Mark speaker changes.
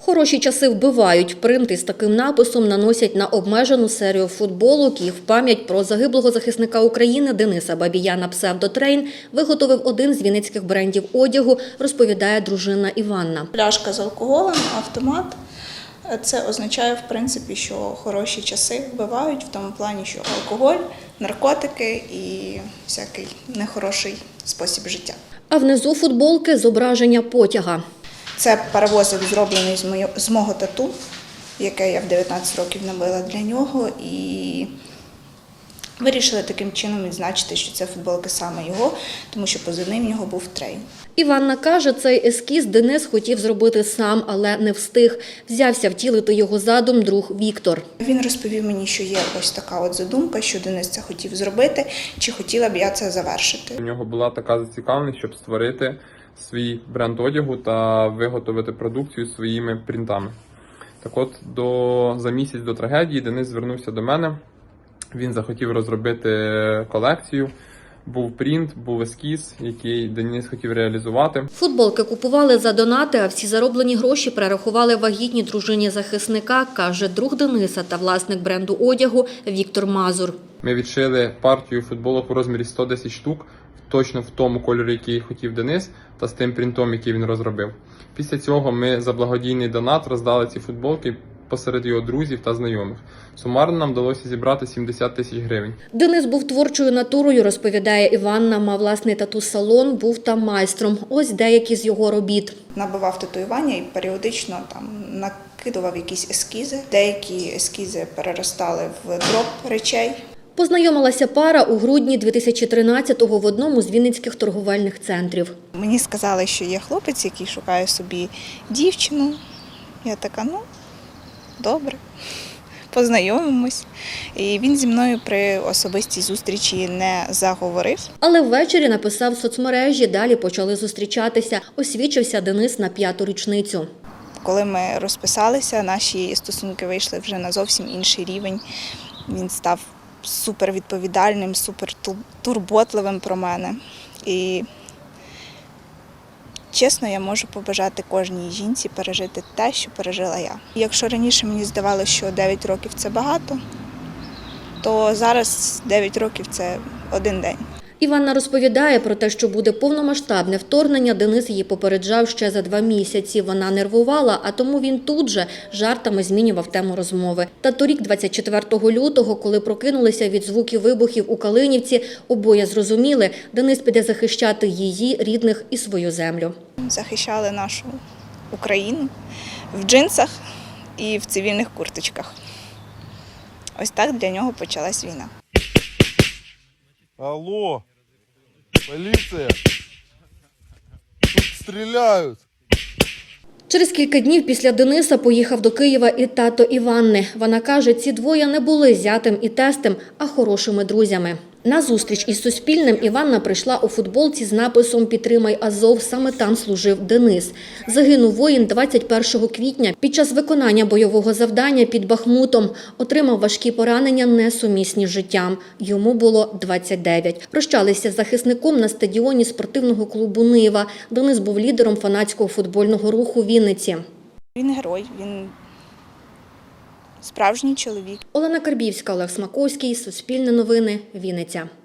Speaker 1: Хороші часи вбивають. Принт із таким написом наносять на обмежену серію футболок. Їх в пам'ять про загиблого захисника України Дениса Бабія на псевдотрейн виготовив один з вінницьких брендів одягу, розповідає дружина Іванна.
Speaker 2: Пляшка з алкоголем, автомат. Це означає, в принципі, що хороші часи вбивають в тому плані, що алкоголь, наркотики і всякий нехороший спосіб життя.
Speaker 1: А внизу футболки – зображення потяга.
Speaker 2: Це паровозик, зроблений з мого тату, яке я в 19 років набила для нього. І вирішили таким чином відзначити, що це футболки саме його, тому що позивний в нього був Трейн.
Speaker 1: Іванна каже, цей ескіз Денис хотів зробити сам, але не встиг. Взявся втілити його задум друг Віктор.
Speaker 2: Він розповів мені, що є ось така от задумка, що Денис це хотів зробити, чи хотіла б я це завершити.
Speaker 3: У нього була така зацікавленість, щоб створити свій бренд одягу та виготовити продукцію своїми принтами. Так от, за місяць до трагедії Денис звернувся до мене. Він захотів розробити колекцію. Був принт, був ескіз, який Денис хотів реалізувати.
Speaker 1: Футболки купували за донати, а всі зароблені гроші перерахували вагітній дружині захисника, каже друг Дениса та власник бренду одягу Віктор Мазур.
Speaker 3: Ми відшили партію футболок у розмірі 110 штук, точно в тому кольорі, який хотів Денис, та з тим принтом, який він розробив. Після цього ми за благодійний донат роздали ці футболки посеред його друзів та знайомих. Сумарно нам вдалося зібрати 70 тисяч гривень.
Speaker 1: Денис був творчою натурою, розповідає Іванна, мав власний тату-салон, був там майстром. Ось деякі з його робіт.
Speaker 2: Набивав татуювання і періодично там накидував якісь ескізи. Деякі ескізи переростали в дроп речей.
Speaker 1: Познайомилася пара у грудні 2013-го в одному з вінницьких торговельних центрів.
Speaker 2: Мені сказали, що є хлопець, який шукає собі дівчину. Я така, добре, познайомимось. І він зі мною при особистій зустрічі не заговорив.
Speaker 1: Але ввечері написав в соцмережі, далі почали зустрічатися. Освідчився Денис на 5-ту річницю.
Speaker 2: Коли ми розписалися, наші стосунки вийшли вже на зовсім інший рівень. Він став супервідповідальним, супертурботливим про мене. І чесно, я можу побажати кожній жінці пережити те, що пережила я. Якщо раніше мені здавалося, що 9 років – це багато, то зараз 9 років – це один день.
Speaker 1: Іванна розповідає про те, що буде повномасштабне вторгнення. Денис її попереджав ще за 2 місяці. Вона нервувала, а тому він тут же жартами змінював тему розмови. Та торік, 24 лютого, коли прокинулися від звуків вибухів у Калинівці, обоє зрозуміли, Денис піде захищати її, рідних і свою землю.
Speaker 2: Захищали нашу Україну в джинсах і в цивільних курточках. Ось так для нього почалась війна.
Speaker 4: Алло, поліція, тут стріляють.
Speaker 1: Через кілька днів після Дениса поїхав до Києва і тато Іванни. Вона каже, ці двоє не були зятем і тестем, а хорошими друзями. На зустріч із Суспільним Іванна прийшла у футболці з написом «Підтримай Азов». Саме там служив Денис. Загинув воїн 21 квітня під час виконання бойового завдання під Бахмутом. Отримав важкі поранення, несумісні з життям. Йому було 29. Прощалися з захисником на стадіоні спортивного клубу «Нива». Денис був лідером фанатського футбольного руху Вінниці.
Speaker 2: Він герой, він справжній чоловік.
Speaker 1: Олена Карбівська, Олег Смаковський, Суспільне новини, Вінниця.